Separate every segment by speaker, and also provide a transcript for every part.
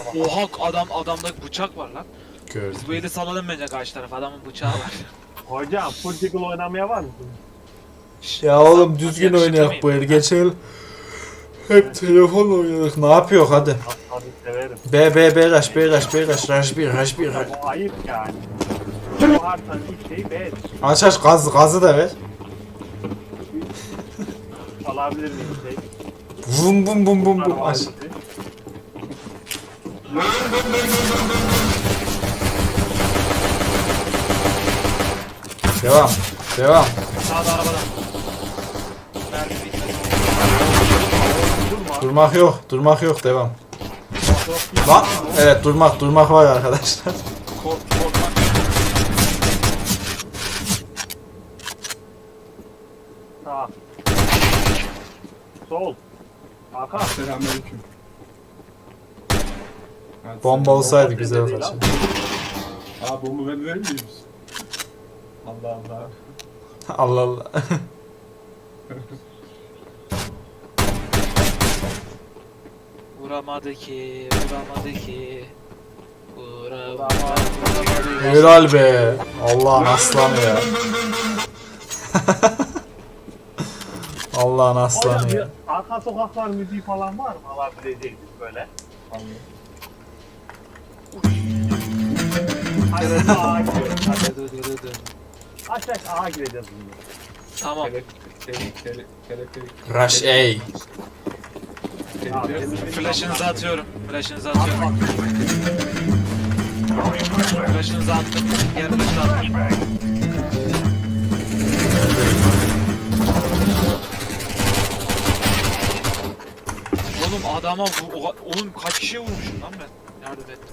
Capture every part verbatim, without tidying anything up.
Speaker 1: Oha adam adamda bıçak var lan.
Speaker 2: Gördüm.
Speaker 1: Bu eli salalım bence karşı tarafa adamın bıçağı var.
Speaker 3: Hocam full tickle oynamaya var mısın?
Speaker 2: Ya oğlum düzgün oynayak bu el geçelim. Hep telefonla oynadık. Ne yapıyor hadi.
Speaker 3: Tabii severim.
Speaker 2: B B B rush B rush B rush rush bir rush bir rush.
Speaker 3: O ayıp yani. Bu harftan ilk şeyi B.
Speaker 2: Aç aç gaz gazı da ver.
Speaker 3: Alabilir miyim şey?
Speaker 2: Vum bum bum bum bum aç. Devam. Devam.
Speaker 1: Sağda arabadan. Mermi bitmedi.
Speaker 3: Durma.
Speaker 2: Durmak yok. Durmak yok. Devam. Lan evet durmak durmak var arkadaşlar.
Speaker 1: Kork korkmak.
Speaker 3: Sağ. Sol. Arka.
Speaker 4: Selamünaleyküm. Hadi
Speaker 2: Bomba
Speaker 4: selam.
Speaker 2: olsaydı
Speaker 3: Bomba
Speaker 2: güzel
Speaker 3: değil
Speaker 2: olacak.
Speaker 4: Aa bomba ben verir miyiz? Allah Allah.
Speaker 2: Allah Allah.
Speaker 1: Vuramadı ki, vuramadı ki. Vuramadı, vuramadı.
Speaker 2: Helal be. Allah'ın aslanı ya. Allah'ın
Speaker 3: Hocam
Speaker 2: aslanı
Speaker 3: bir
Speaker 2: ya.
Speaker 3: arka sokaklar müziği falan var mı alabileceğiniz böyle? Hadi A'ya gidiyoruz. Hadi.
Speaker 1: Dı dı dı dı.
Speaker 3: Aç aç A'ya gireceğiz şimdi.
Speaker 1: Tamam.
Speaker 4: Teleferik, tele- teleferik.
Speaker 2: Rush A.
Speaker 4: Teleferik.
Speaker 1: Flash'ınızı atıyorum. Flash'ınızı atıyorum. Flash'ınızı attım. Diğer flash'ı attım. Oğlum adama bu, o- oğlum kaç kişiye vurmuşum lan ben? Yardım et.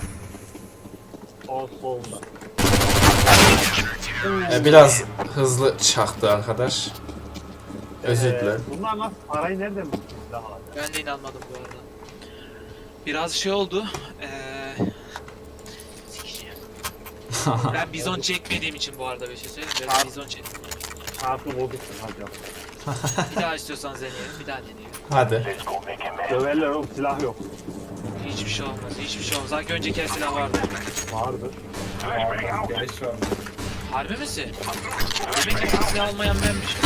Speaker 3: O solda.
Speaker 2: E, biraz hızlı çaktı arkadaş. Özür
Speaker 3: Ee,
Speaker 2: dilerim.
Speaker 3: Bunlar nasıl parayı nereden bulmuş silahlar?
Speaker 1: Ben de inanmadım bu arada. Biraz şey oldu. Eee... sikeceğim. Ben bizon çekmediğim için bu arada bir şey söyleyeyim. Ben bizon çektim.
Speaker 3: Çarpı bozuksun hocam.
Speaker 1: Bir daha istiyorsanız deneyelim. Bir daha deneyelim.
Speaker 2: Hadi.
Speaker 3: Döverler oğlum silah yok.
Speaker 1: Hiçbir şey olmaz. Hiçbir şey olmaz. Sanki önceki el silah vardı.
Speaker 3: Vardır.
Speaker 4: Geliş var.
Speaker 1: Harbi misin? Demek ki silah olmayan benmişim.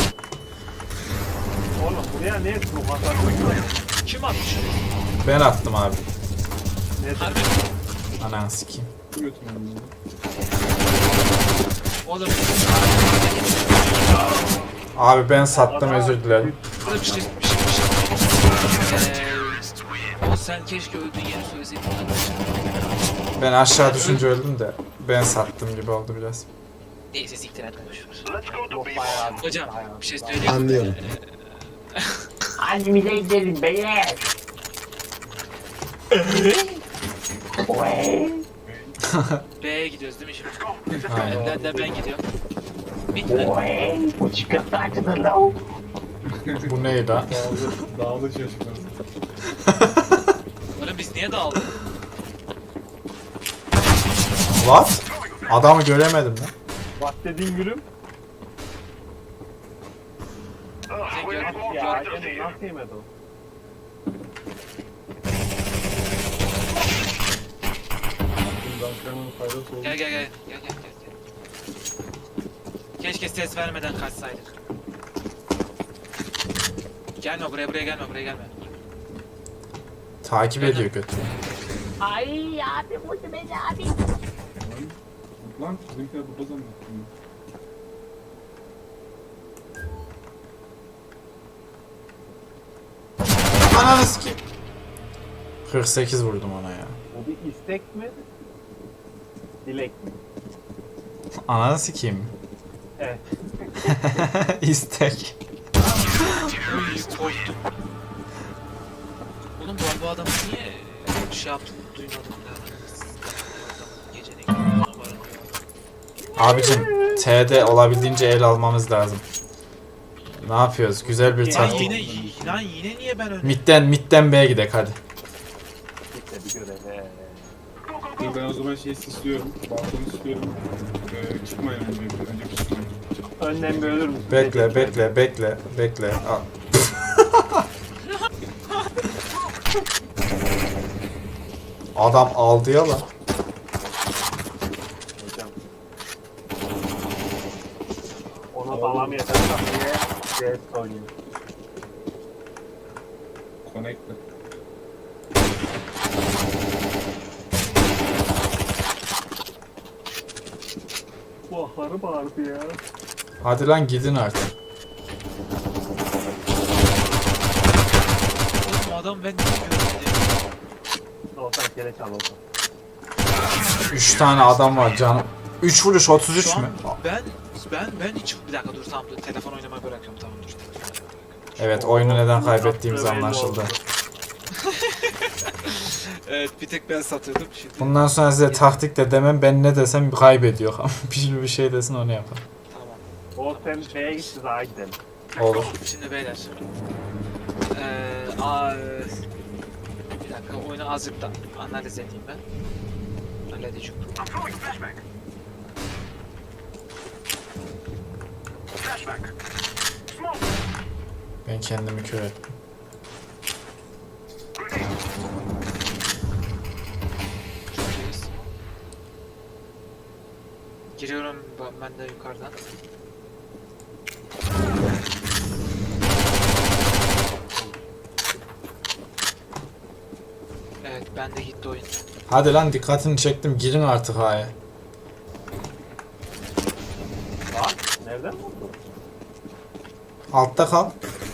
Speaker 3: Oğlum buraya ne smoke atarsın?
Speaker 1: Kim atmış?
Speaker 2: Ben attım abi.
Speaker 3: Ne
Speaker 1: Harbi mi?
Speaker 2: Ananı sikeyim.
Speaker 4: Götürmem bunu.
Speaker 1: Oğlum.
Speaker 2: Abi ben sattım özür dilerim.
Speaker 1: Burada bir şey, bir şey, bir şey. Eee... O sen keşke öldüğün yeri söyleseydin.
Speaker 2: Ben aşağı düşünce öldüm de ben sattım gibi oldu biraz.
Speaker 1: Neyse siktir et boşver.
Speaker 3: Yok bayağı.
Speaker 1: Hocam bir şey söyleyeyim.
Speaker 5: Anlıyorum.
Speaker 6: Annemize gidelim beyler.
Speaker 1: B'ye gidiyoruz değil mi şimdi?
Speaker 2: Aynen.
Speaker 1: Önden de ben gidiyorum. Bitmedi.
Speaker 6: Bu çıkıntı açılır lan.
Speaker 2: Bu neydi lan?
Speaker 4: Dağıldı, dağıldı şaşırdım.
Speaker 1: Oğlum biz niye dağıldık?
Speaker 2: What? Adamı göremedim lan.
Speaker 3: Bak dediğin gülüm.
Speaker 1: Sen gör,
Speaker 3: Ya
Speaker 1: gör.
Speaker 3: Emin nasıl yemedi o?
Speaker 4: Bundan kanın faydası oldu.
Speaker 1: Gel gel gel. Gel gel gel. gel. Keşke ses vermeden kaçsaydık. Gelme buraya buraya gelme buraya gelme.
Speaker 2: Takip ediyor kötü.
Speaker 6: Ay abi vurdu beni abi.
Speaker 4: Lan bizimkiler burada zannettim.
Speaker 2: Ananı sikeyim. kırk sekiz vurdum ona ya.
Speaker 3: Bu bir istek mi? Dilek mi?
Speaker 2: Ananı sikeyim.
Speaker 3: Evet.
Speaker 2: İstek.
Speaker 1: Uy korktum. Oğlum bu, bu adamı niye şey yaptım duymadım ya. Gecenin var.
Speaker 2: Abicim T'de olabildiğince el almamız lazım. Ne yapıyoruz? Güzel bir
Speaker 1: Lan
Speaker 2: taktik.
Speaker 1: yine lan yine niye ben öyle?
Speaker 2: Midden midden B'ye gidek hadi.
Speaker 3: İşte bir görev. He.
Speaker 4: Dur ben o zaman şey istiyorum. Balkonu istiyorum. Ee, çıkmayın önce. Önce çıkmayın.
Speaker 3: Önden bir ölür müsün?
Speaker 2: Bekle bekle bekle bekle. Al. Adam aldı ya lan.
Speaker 3: Hocam. Ona sağlam yeter diye C S oynuyor.
Speaker 4: Connected.
Speaker 3: Bu ahları bağırdı ya.
Speaker 2: Hadi lan gidin artık.
Speaker 1: Oğlum adam ben ne görmedim.
Speaker 3: Olsan kere çal olsan.
Speaker 2: üç tane adam var canım. üç vuruş otuz üç
Speaker 1: Şu
Speaker 2: mü?
Speaker 1: an ben ben ben hiç bir dakika dur tamam dur telefon oynamayı bırakıyorum tamam dur. Telefon oynamayı bırakıyorum.
Speaker 2: Evet, oyunu neden kaybettiğimiz
Speaker 3: Yaptığı belli
Speaker 2: anlaşıldı.
Speaker 3: oldu.
Speaker 1: Evet bir tek ben satırdım şimdi.
Speaker 2: Bundan sonra size taktik de demem, ben ne desem kaybediyor. bir bir şey desin onu yapar.
Speaker 1: Tamam.
Speaker 3: O sen B'ye gitti daha gidelim.
Speaker 2: Olur.
Speaker 1: Şimdi beyler. Eee aa, bir dakika oyunu azıcık da analiz edeyim ben. Halledeceğim.
Speaker 2: Ben kendimi kör ettim.
Speaker 1: Şuradayız. Giriyorum ben- ben de yukarıdan. Evet ben de gitti oyun.
Speaker 2: Hadi lan, dikkatini çektim, girin artık haya.
Speaker 3: Bak nereden vurdu?
Speaker 2: Altta kal.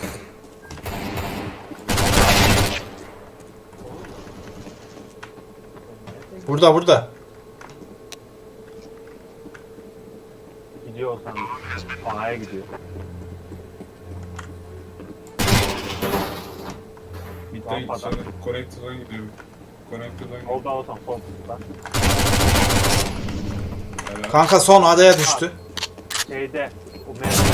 Speaker 2: Burada burada.
Speaker 3: Gidiyor o sandım. A'ya gidiyor.
Speaker 4: Mid'den
Speaker 3: Rampadan.
Speaker 4: sonra Connected'dan gidiyorum. Connected'dan gidiyorum.
Speaker 3: Oldu olsan sol tutar.
Speaker 4: Helal.
Speaker 2: Kanka son adaya düştü.
Speaker 3: Şeyde. O mevcut.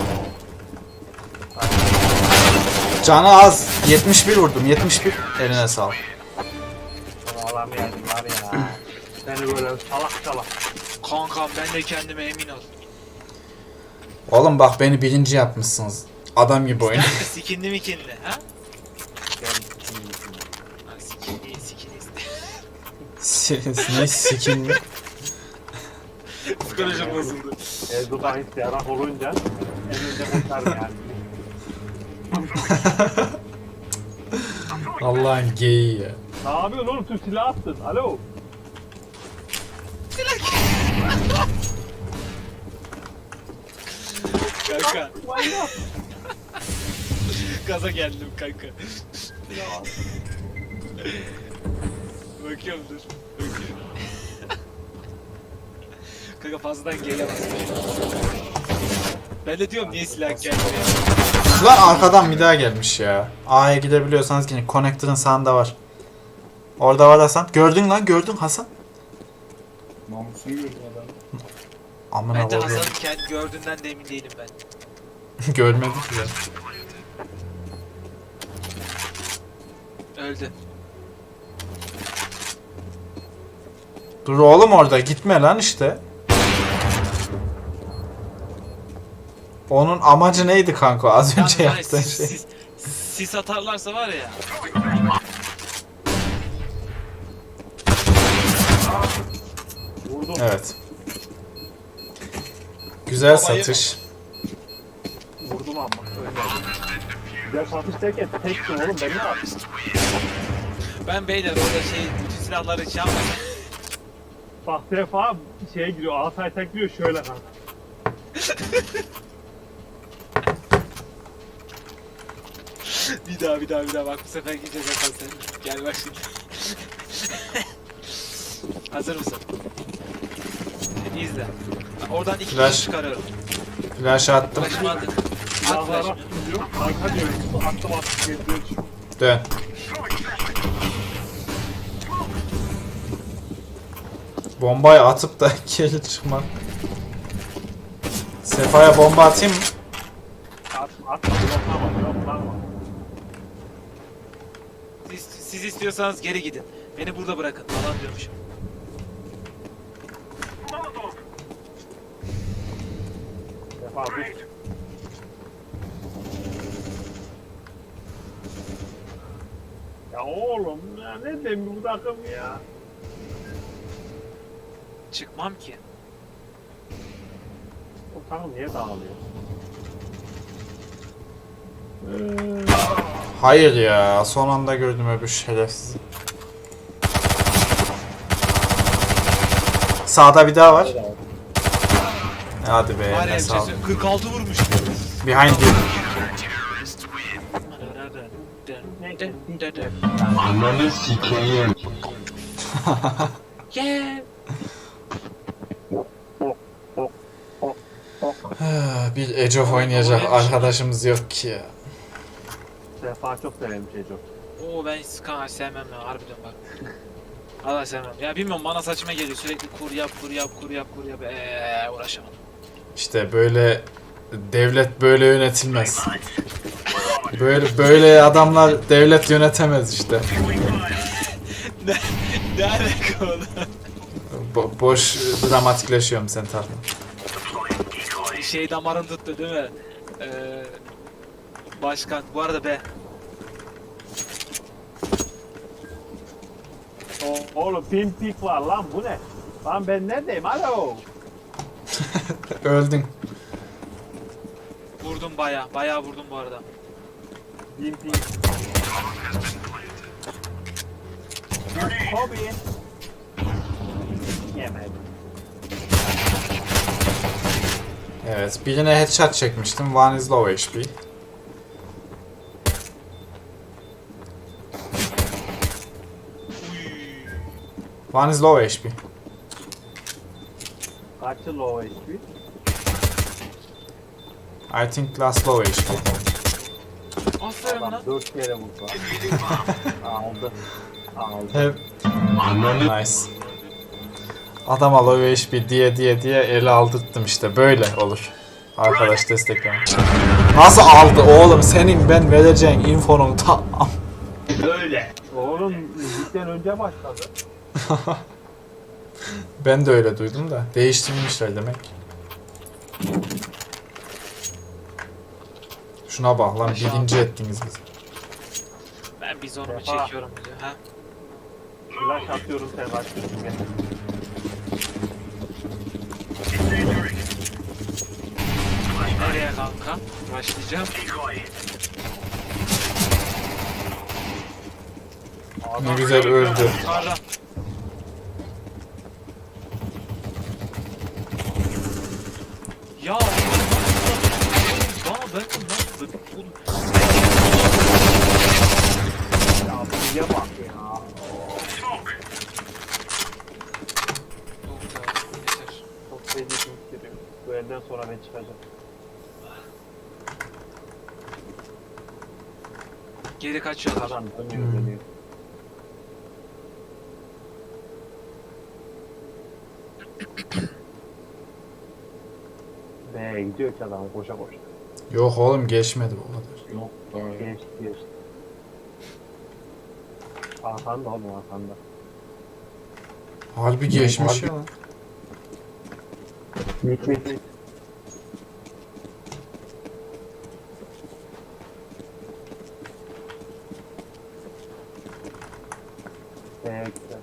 Speaker 2: Canı az. yetmiş bir vurdum. yetmiş bir. Eline sağlık.
Speaker 3: Adam yedim var ya. Seni böyle salak salak.
Speaker 1: Kankam ben de kendime emin ol.
Speaker 2: Oğlum bak, beni birinci yapmışsınız. Adam gibi oyun.
Speaker 1: Skinli mikinli ha?
Speaker 3: Gel.
Speaker 1: Ha, Skinli skinli.
Speaker 2: Ne sikin mi?
Speaker 1: Psikolojim bozuldu.
Speaker 3: Ezdu'dan isteyarak olunca elinde kurtar yani.
Speaker 2: Allah'ın geyiği ya.
Speaker 3: Ne yapıyorsun oğlum? Tüm silah attın. Alo.
Speaker 1: Kanka
Speaker 3: Manyak.
Speaker 1: gaza geldim kanka. Bakıyorum dur. Bakıyorum. Kanka fazladan gelemez. Ben de diyorum niye silah gelmiyor.
Speaker 2: Lan arkadan bir daha gelmiş ya. A'ya gidebiliyorsanız yine Connector'ın sağında var. Orada var Hasan. Gördün lan, gördün Hasan.
Speaker 4: Namusunu gördüm adam.
Speaker 2: Amına
Speaker 1: Bence
Speaker 2: koyayım.
Speaker 1: Hasan'ın kendi gördüğünden de emin değilim ben.
Speaker 2: Görmedik ya.
Speaker 1: Öldü.
Speaker 2: Dur oğlum, orada gitme lan işte. Onun amacı neydi kanka az önce
Speaker 1: Yalnız
Speaker 2: yaptığın
Speaker 1: sis,
Speaker 2: şey?
Speaker 1: sis, sis atarlarsa var ya.
Speaker 3: Vurdum.
Speaker 2: Evet. Güzel satış.
Speaker 3: Vurdum ama. Ölmedim. Güzel satış derken tektim oğlum. Ben ne yapayım?
Speaker 1: Ben beyler orada şey bütün silahları şey yapmadım.
Speaker 3: Bak sefa şeye giriyor. Altay tekliyor şöyle kanka.
Speaker 1: Bir daha bir daha bir daha bak bu sefer gideceğiz Hasan sen. Gel bak şimdi. Hazır mısın? İyi izle. Oradan iki
Speaker 2: Flash.
Speaker 1: kişi çıkarıyorum.
Speaker 2: Flash attım.
Speaker 1: Flash'ımı atın. At
Speaker 3: Silahlara
Speaker 1: flash'ımı.
Speaker 3: tutuyor. Kanka diyor. Attım attım getiriyor.
Speaker 2: Dön. Bombayı atıp da geri çıkmak. Sefa'ya bomba atayım mı?
Speaker 3: Atma atma. Yoklama yoklama.
Speaker 1: Siz, siz istiyorsanız geri gidin. Beni burada bırakın falan diyormuşum.
Speaker 3: Sefa dur. Ya oğlum ya ne demi bu takım ya.
Speaker 1: Çıkmam ki.
Speaker 3: O takım niye dağılıyor?
Speaker 2: Hayır ya. Son anda gördüm öbür şerefsizi. Sağda bir daha var. Hadi be.
Speaker 1: Var ya
Speaker 2: Ne
Speaker 1: bir
Speaker 2: sağ
Speaker 1: şey
Speaker 2: ol.
Speaker 1: söyleyeyim, kırk altı vurmuş.
Speaker 2: Behind you.
Speaker 5: Ananı sikeyim.
Speaker 1: Yeah.
Speaker 2: Bir Age of oynayacak arkadaşımız yok ki ya.
Speaker 3: Sefa çok severim Çeco.
Speaker 1: Oo ben hiç kanka sevmem ya harbiden bak. Valla sevmem. Ya bilmiyorum bana saçma geliyor sürekli kur yap kur yap kur yap kur yap eee uğraşamam.
Speaker 2: İşte böyle devlet böyle yönetilmez. Böyle böyle adamlar devlet yönetemez işte.
Speaker 1: ne, ne alaka oğlum?
Speaker 2: Bo- boş dramatikleşiyorum sen tarafına.
Speaker 1: Şey damarın tuttu değil mi? Ee, başkan bu arada be.
Speaker 3: O- Oğlum pin pik var lan bu ne? Lan ben neredeyim alo?
Speaker 2: Öldün.
Speaker 1: Vurdum baya baya vurdum bu arada.
Speaker 3: Pin pik. Hobi. Yemedim.
Speaker 2: Evet, birine headshot çekmiştim. One is low H P. One is low H P.
Speaker 3: Kaçı low H P?
Speaker 2: I think last low H P.
Speaker 1: Aferin
Speaker 3: Adam
Speaker 1: lan.
Speaker 3: dört kere vurdu. Aldı. Aldı.
Speaker 2: Hep
Speaker 5: Ananı
Speaker 2: nice. Adama low H P diye diye diye ele aldırttım işte. Böyle olur. Arkadaş destekleme. Nasıl aldı oğlum? Senin ben vereceğin infonun tam.
Speaker 3: Oğlum müzikten önce başladı.
Speaker 2: Ben de öyle duydum da. Değiştirmişler demek. Şuna bak lan birinci ettiniz bizi.
Speaker 1: Ben bizonumu
Speaker 3: Defa.
Speaker 1: çekiyorum diyor ha.
Speaker 3: Flash atıyorum sen başlıyorsun gene.
Speaker 1: Nereye kanka? Başlayacağım.
Speaker 2: Ne güzel öldü.
Speaker 1: Yukarıda. Ya bana ben nasıl oğlum?
Speaker 3: Ya bize bak ya.
Speaker 1: Yok ya yeter.
Speaker 3: Çok feci hissediyor. Bu elden sonra ben çıkacağım.
Speaker 1: Geri kaçıyorlar.
Speaker 3: Adam dönüyor dönüyor. B'ye gidiyor ki adam koşa koşa.
Speaker 2: Yok oğlum geçmedi bu kadar.
Speaker 4: Yok daha yok.
Speaker 3: Geçti geçti. Arkanda oğlum arkanda.
Speaker 2: Harbi geçmiş ya lan.
Speaker 3: Mit mit mit. B'ye gitti.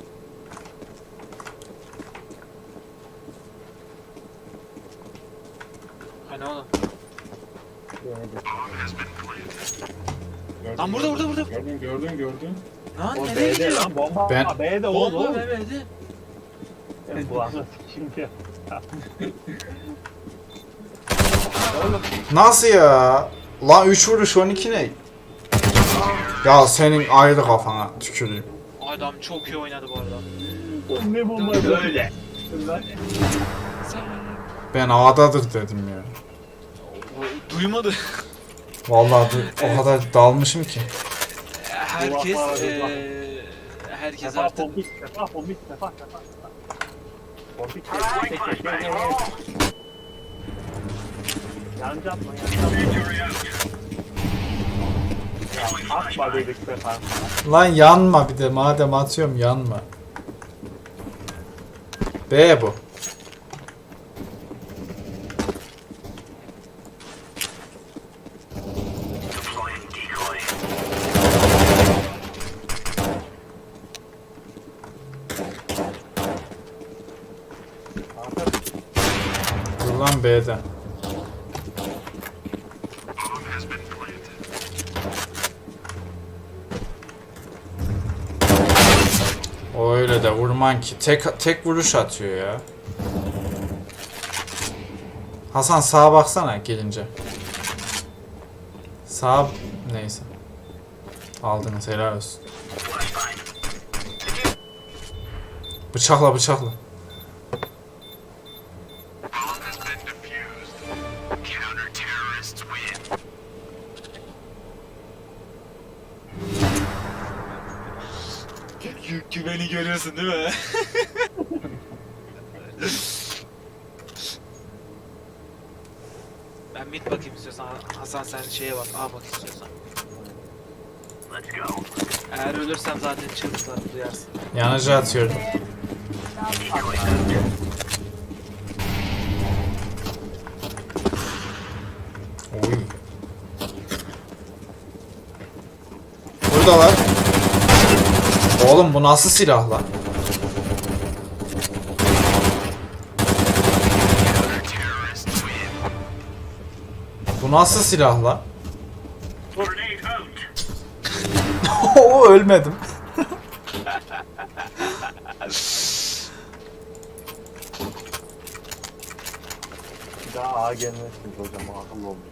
Speaker 1: Hani oğlum?
Speaker 3: B'ye gitti.
Speaker 4: Gördün,
Speaker 1: Lan burada, burada, burada.
Speaker 4: Gördün gördün gördün.
Speaker 1: Lan
Speaker 3: O
Speaker 1: nereye
Speaker 3: B'de
Speaker 1: gidiyor?
Speaker 3: lan bomba.
Speaker 2: Ben-
Speaker 3: B'de oğlum.
Speaker 1: Bomba
Speaker 3: oğlum.
Speaker 1: bebeydi.
Speaker 3: Ben bu anı şimdi.
Speaker 2: Nasıl ya? Lan üç vuruş on iki ne? Ya senin ayrı kafana tüküreyim.
Speaker 1: Adam çok iyi oynadı bu arada.
Speaker 3: Ne bomba böyle.
Speaker 1: Sen
Speaker 2: Ben A'dadır dedim ya.
Speaker 1: o- duymadı.
Speaker 2: Vallahi du- o kadar dalmışım ki.
Speaker 1: Herkes
Speaker 3: Kulaklar,
Speaker 1: eee herkes
Speaker 3: Sefa
Speaker 1: artık
Speaker 3: pompik, sefa pompik, sefa sefa. Pompik tek tek tek tek. Yanca atma, yanca atma. Ya atma dedik sefa.
Speaker 2: Lan yanma bir de madem atıyorum yanma. B bu. an B'de. O öyle de vurman ki. Tek tek vuruş atıyor ya. Hasan sağa baksana gelince. Sağ neyse. Aldınız helal olsun. Bıçakla bıçakla.
Speaker 1: Gü güveni görüyorsun değil mi? Ben mid bakayım istiyorsan. Hasan sen şeye bak. A bak istiyorsan. Eğer ölürsem zaten çığlıklarımı duyarsın.
Speaker 2: Yanıcı atıyorum. Oy. Buradalar. Oğlum bu nasıl silah lan? Bu nasıl silah lan? Oo ölmedim.
Speaker 3: Bir daha A gelmezsiniz hocam. Akıllı olun.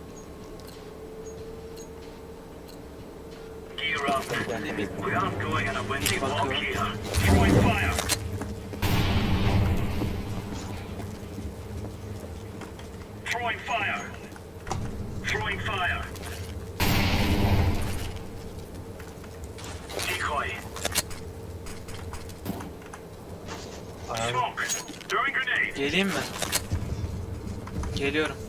Speaker 7: Throwing fire. Throwing fire. Decoy. Smoke. Throwing grenade.
Speaker 1: Geleyim mi? Geliyorum.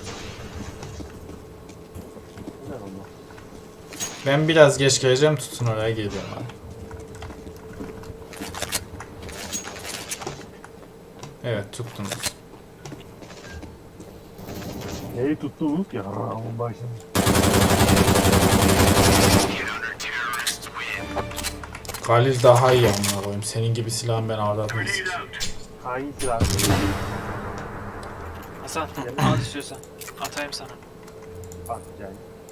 Speaker 3: Ne oldu?
Speaker 2: Ben biraz geç geleceğim, tutun oraya geliyorum abi. Evet tuttunuz.
Speaker 3: Neyi tuttunuz ki? Ramın başını.
Speaker 2: Galil daha iyi amına koyayım. Senin gibi silahın ben ağırlatmayız.
Speaker 7: Grenade out.
Speaker 3: Hangi silah?
Speaker 1: Hasan al istiyorsan. Atayım sana.
Speaker 3: Bak yani.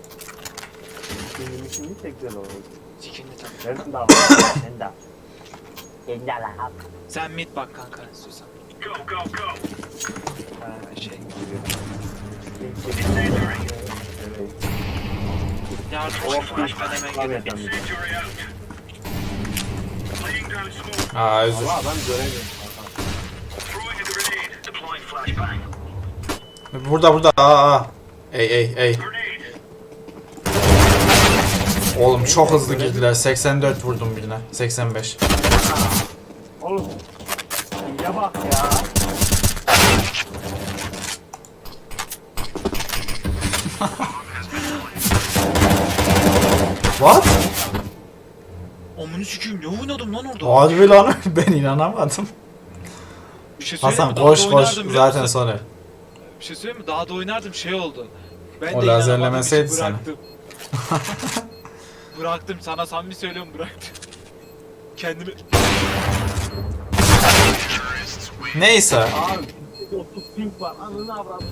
Speaker 3: Şimdi şimdi tek güzel olur.
Speaker 1: Sikindi tabii.
Speaker 3: Nereden daha?
Speaker 6: Sen de. Sen de lan.
Speaker 1: Sen mid bak kanka istiyorsan.
Speaker 7: Go, go, go.
Speaker 1: Ha, şey.
Speaker 7: Incendiary.
Speaker 3: Evet.
Speaker 1: Yardım
Speaker 3: Of,
Speaker 1: flash ben hemen
Speaker 3: Tabii
Speaker 1: gelirim.
Speaker 3: tabii.
Speaker 7: Incendiary out. Laying down smoke.
Speaker 2: Aa özür.
Speaker 3: Ama ben göremiyorum.
Speaker 7: Throwing a grenade. Deploying flashbang.
Speaker 2: Burada burada aa aa. Ey ey ey.
Speaker 7: Grenade.
Speaker 2: Oğlum çok hızlı girdiler. seksen dört vurdum birine. seksen beş.
Speaker 3: Oğlum. Ya bak ya.
Speaker 2: What?
Speaker 1: Amını sikeyim ne oynadım lan orada?
Speaker 2: Harbi lan ben inanamadım.
Speaker 1: Bir şey söyleyeyim
Speaker 2: Hasan
Speaker 1: mi? Daha
Speaker 2: koş
Speaker 1: da
Speaker 2: koş
Speaker 1: oynardım biliyor
Speaker 2: zaten
Speaker 1: musun?
Speaker 2: sonra.
Speaker 1: Bir şey söyleyeyim mi? Daha da oynardım şey oldu. Ben
Speaker 2: O
Speaker 1: de
Speaker 2: lazerlemeseydi
Speaker 1: inanamadım
Speaker 2: seni.
Speaker 1: için bıraktım. Bıraktım sana samimi söylüyorum bıraktım. Kendimi...
Speaker 2: Neyse.
Speaker 3: Abi otuz ping var. Anını avradım.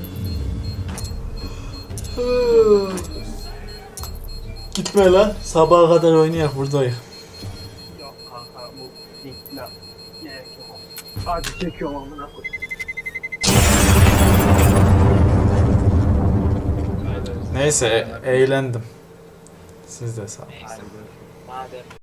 Speaker 2: Gitme lan. Sabaha kadar oynayak buradayım.
Speaker 3: Yok kanka bu pinkler. Gerek yok. Hadi çekiyorum amına koyayım.
Speaker 2: Neyse e- eğlendim. Siz de sağ olun.
Speaker 1: Neyse. Madem.